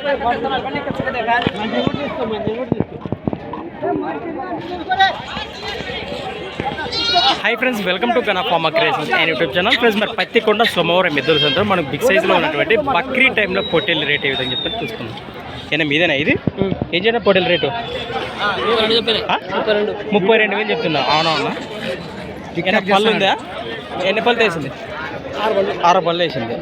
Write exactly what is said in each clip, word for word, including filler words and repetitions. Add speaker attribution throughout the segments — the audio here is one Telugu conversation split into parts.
Speaker 1: Hi friends, welcome to Gana Pharma creations and YouTube channel. Friends మరి పత్తికొండ సోమవారం ఎద్దుల సంత మనకు బిగ్ సైజులో ఉన్నటువంటి బక్రీ టైంలో పొట్టేళ్ళ రేట్ ఏ విధంగా చెప్తారు చూసుకుందాం. ఏనా మీదేనా ఇది ఏం చేయడం పొట్టేళ్ళ రేటు ముప్పై రెండు వేలు చెప్తున్నా. అవునా అవునా ఏమైనా పళ్ళు ఉందా? ఎన్ని పళ్ళు వేసింది? ఆరు పళ్ళు వేసింది.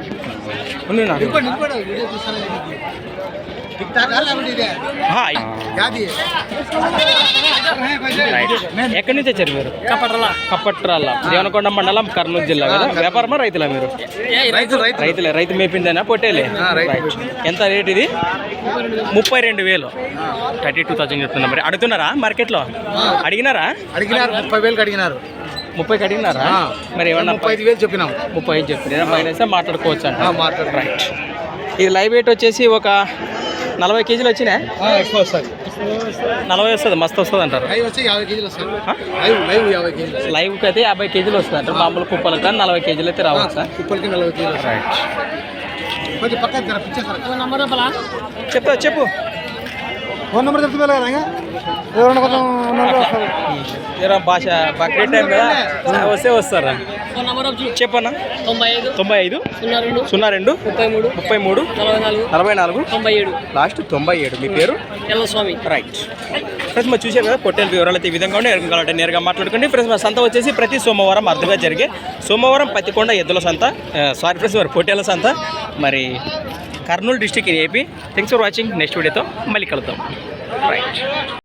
Speaker 1: ఎక్కడి నుంచి వచ్చారు మీరు? కప్పట్రాల కప్పట్రాల దేవనకొండ మండలం, కర్నూలు జిల్లా కదా. వ్యాపారమా రైతులా మీరు? రైతులే. రైతు మేపిందేనా పొట్టేలే? ఎంత రేట్ ఇది? ముప్పై రెండు వేలు థర్టీ టూ థౌసండ్ చెప్తున్నా. మరి అడుగుతున్నారా మార్కెట్లో? అడిగినారా?
Speaker 2: అడిగినారు ముప్పై వేలకు అడిగినారు.
Speaker 1: ముప్పైకి అడిగినారా? మరి ఏమన్నా
Speaker 2: ముప్పై ఐదు వేలు చెప్పినాం.
Speaker 1: ముప్పై ఐదు చెప్తున్నా పైన మాట్లాడుకోవచ్చు అంట.
Speaker 2: మాట్లాడు.
Speaker 1: రైట్. ఇది లైవ్ వెయిట్ వచ్చేసి ఒక నలభై కేజీలు వచ్చినాయి.
Speaker 2: ఎక్కువ వస్తుంది,
Speaker 1: నలభై వస్తుంది, మస్తు వస్తుంది అంటారు.
Speaker 2: యాభై కేజీలు వస్తుంది. యాభై కేజీలు
Speaker 1: లైవ్కి అయితే యాభై కేజీలు వస్తుంది అంటారు. మామూలు కుప్పలకు కానీ నలభై కేజీలు అయితే రావచ్చు.
Speaker 2: కుప్పలకి నలభై కేజీలు.
Speaker 1: రైట్.
Speaker 2: కొంచెం పక్కన
Speaker 1: చెప్తా చెప్పు.
Speaker 2: ఫోన్ నెంబర్ చెప్తున్నా కదా, ఎవరైనా కొంచెం
Speaker 1: ఏదో భాష బక్రీ టైం కదా వస్తే వస్తారా? చెప్పన్నా.
Speaker 3: తొంభై ఐదు
Speaker 1: తొంభై ఐదు
Speaker 3: సున్నా రెండు
Speaker 1: సున్నా రెండు
Speaker 3: ముప్పై మూడు
Speaker 1: ముప్పై మూడు
Speaker 3: నలభై నాలుగు
Speaker 1: నలభై నాలుగు
Speaker 3: తొంభై ఏడు
Speaker 1: లాస్ట్ తొంభై ఏడు. మీ పేరు?
Speaker 3: ఎల్లస్వామి.
Speaker 1: రైట్. ఫ్రెండ్స్ మరి చూసారు కదా పొట్టేల వివరాలు అయితే ఈ విధంగా ఉండే. కావాలంటే నేరుగా మాట్లాడుకోండి. ఫ్రెండ్స్ మా సంత వచ్చేసి ప్రతి సోమవారం అర్థంగా జరిగే సోమవారం పత్తికొండ ఎద్దుల సంత, సారీ ఫ్రెండ్స్ మరి పొట్టేల సంత, మరి Kurnool district in AP. Thanks for watching. Next వీడియోతో మళ్ళీ కలుద్దాం. రైట్.